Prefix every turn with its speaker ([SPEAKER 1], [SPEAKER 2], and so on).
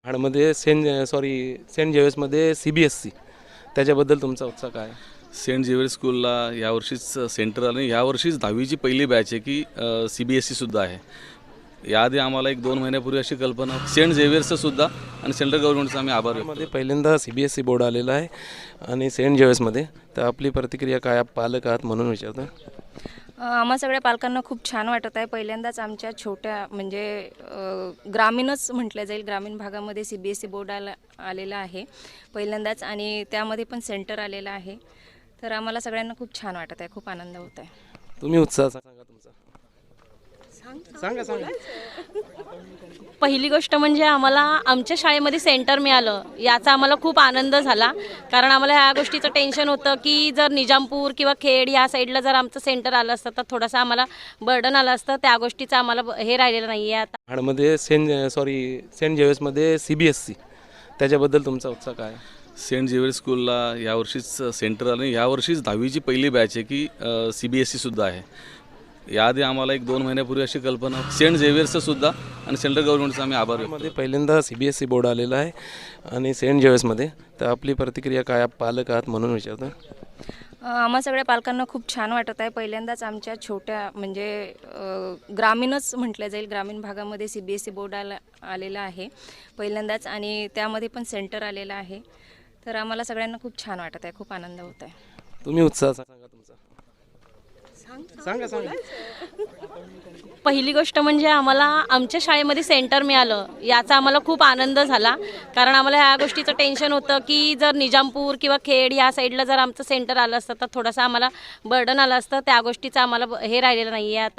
[SPEAKER 1] महाडमध्ये Saint जेवियर्समध्ये CBSC त्याच्याबद्दल तुमचा उत्साह काय आहे?
[SPEAKER 2] सेंट झेवियर स्कूलला यावर्षीच सेंटर आलं आणि यावर्षीच 10वीची पहिली बॅच आहे की CBSE सुद्धा आहे. याआधी आम्हाला 1-2 महिन्यापूर्वी अशी कल्पना सेंट झेवियर्सचं सुद्धा आणि सेंट्रल गव्हर्नमेंटचा आम्ही आभार व्यक्त
[SPEAKER 1] मध्ये पहिल्यांदा CBSC बोर्ड आलेला आहे आणि सेंट जेवियर्समध्ये. तर आपली प्रतिक्रिया काय, आप पालक आहात म्हणून विचारतो.
[SPEAKER 3] आम्हा सगळ्या पालकांना खूप छान वाटत आहे. पहिल्यांदाच आमच्या छोट्या म्हणजे ग्रामीणच म्हटलं जाईल, ग्रामीण भागामध्ये CBSE बोर्ड आलेला आहे पहिल्यांदाच, आणि त्यामध्ये पण सेंटर आलेलं आहे. तर आम्हाला सगळ्यांना खूप छान वाटत आहे, खूप आनंद होत आहे.
[SPEAKER 1] तुम्ही उत्साह सांगा तुमचा. सांगा.
[SPEAKER 4] पहिली गोष्ट म्हणजे आम्हाला आमच्या शाळेमध्ये सेंटर मिळालं याचा आम्हाला खूप आनंद झाला. कारण आम्हाला ह्या गोष्टीचं टेन्शन होतं की जर निजामपूर किंवा खेड ह्या साईडला जर आमचं सेंटर आलं असतं तर थोडंसं आम्हाला बर्डन आलं असतं. त्या गोष्टीचं आम्हाला हे राहिलेलं नाही आहे आता.
[SPEAKER 1] महाडमध्ये सेंट जेवियर्समध्ये CBSC त्याच्याबद्दल तुमचा उत्साह काय आहे?
[SPEAKER 2] सेंट झेवियर स्कूलला यावर्षीच सेंटर आलं आणि यावर्षीच 10वीची पहिली बॅच आहे की CBSE सुद्धा आहे. याआधी आम्हाला 1-2 महिन्यापूर्वी अशी कल्पना सेंट झेवियर्सचं सुद्धा आणि सेंट्रल गव्हर्नमेंटचा आम्ही आभार व्यक्त
[SPEAKER 1] मध्ये पहिल्यांदा CBSC बोर्ड आलेला आहे आणि सेंट जेवियर्समध्ये. तर आपली प्रतिक्रिया काय, आप पालक आहात म्हणून विचारतो.
[SPEAKER 3] आम्हा सगळ्या पालकांना खूप छान वाटत आहे. पहिल्यांदाच आमच्या छोट्या म्हणजे ग्रामीणच म्हटलं जाईल, ग्रामीण भागामध्ये CBSE बोर्ड आलेला आहे पहिल्यांदाच, आणि त्यामध्ये पण सेंटर आलेलं आहे. तर आम्हाला सगळ्यांना खूप छान वाटत आहे, खूप आनंद होत आहे.
[SPEAKER 1] तुम्ही उत्साह सांगा तुमचा. सांगा.
[SPEAKER 4] पहिली गोष्ट म्हणजे आम्हाला आमच्या शाळेमध्ये सेंटर मिळालं याचा आम्हाला खूप आनंद झाला. कारण आम्हाला ह्या गोष्टीचं टेन्शन होतं की जर निजामपूर किंवा खेड ह्या साईडला जर आमचं सेंटर आलं असतं तर थोडंसं आम्हाला बर्डन आलं असतं. त्या गोष्टीचं आम्हाला हे राहिलेलं नाही आहे आता.